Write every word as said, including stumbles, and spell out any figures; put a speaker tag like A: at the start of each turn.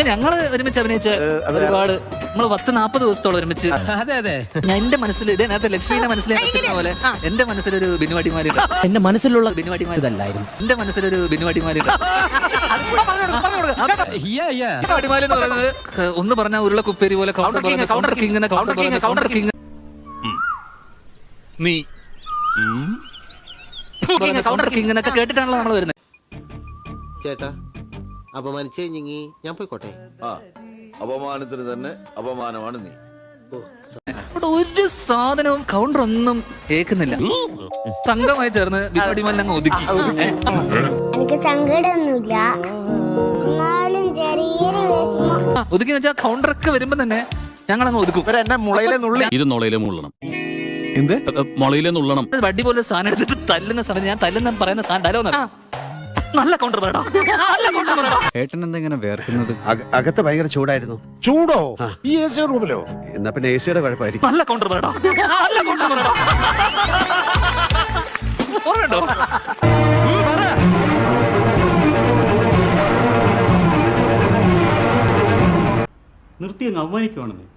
A: ഞങ്ങള് ഒരുമിച്ച് അഭിനയിച്ച ഒരുപാട് നമ്മള് പത്ത് നാപ്പത് ദിവസത്തോളം ഒരുമിച്ച്.
B: അതെ അതെ
A: ഞാൻ എന്റെ മനസ്സിൽ ഇതേ നേരത്തെ ലക്ഷ്മിയുടെ മനസ്സിലെ പോലെ എന്റെ മനസ്സിലൊരു ബിനുവാടിമാരുണ്ട്.
B: എന്റെ മനസ്സിലുള്ള ബിനുവാടിമാരിതല്ലായിരുന്നു.
A: എന്റെ മനസ്സിലൊരു ബിനുവാടിമാരുണ്ട്. ബിനുവാടിമാര് എന്ന് പറയുന്നത് ഒന്ന് പറഞ്ഞ ഉരുള കുപ്പേരി പോലെ counter king counter king counter king നീ കൗണ്ടർ കിങ് എന്നൊക്കെ കേട്ടിട്ടാണല്ലോ നമ്മൾ വരുന്നത്.
C: ചേട്ടാ അപമാനിച്ചേ ഞങ്ങി ഞാൻ പോയിക്കോട്ടെ.
D: ആ അപമാനത്തിന് തന്നെ അപമാനമാണ് നീ.
A: അവിടെ ഒരു സാധനവും കൗണ്ടർ ഒന്നും ഏക്കുന്നില്ല. സംഘമായി ചേർന്ന് ബിനുവാടിമാരിൽ അങ്ങ് ഒതുക്കി.
E: എനിക്ക് സങ്കടമൊന്നുമില്ല, എന്നാലും ചെറിയൊരു
A: ഒതുക്കി വെച്ചാൽ കൗണ്ടറൊക്കെ വരുമ്പോ തന്നെ ഞങ്ങൾ അങ്ങ് ഒതുക്കും.
F: ഇത് മുളയിലെ മുള്ളണം. എന്ത് മുളയിലെ നുള്ളണം?
A: വടി പോലെ സാധനം എടുത്തിട്ട് തല്ലുന്ന സമയത്ത് ഞാൻ തല്ലുന്ന പറയുന്ന സാധനം ഡയലോഗ് നല്ല കൗണ്ടർ വേടാ.
F: ഏട്ടൻ എന്താ ഇങ്ങനെ വേർക്കുന്നത്?
C: അകത്ത് ഭയങ്കര ചൂടായിരുന്നു.
G: ചൂടോ? ഈ എ സി റൂമിലോ?
C: എന്നാ പിന്നെ എ സിയുടെ കുഴപ്പമായിരിക്കും.
A: നല്ല കൗണ്ടർ വേടാ. നല്ല കൗണ്ടർ വേടാ. ഓർമ്മയുണ്ടോ?
H: നിർത്തി അങ്ങ് അവമാനിക്കുവാണെന്ന്.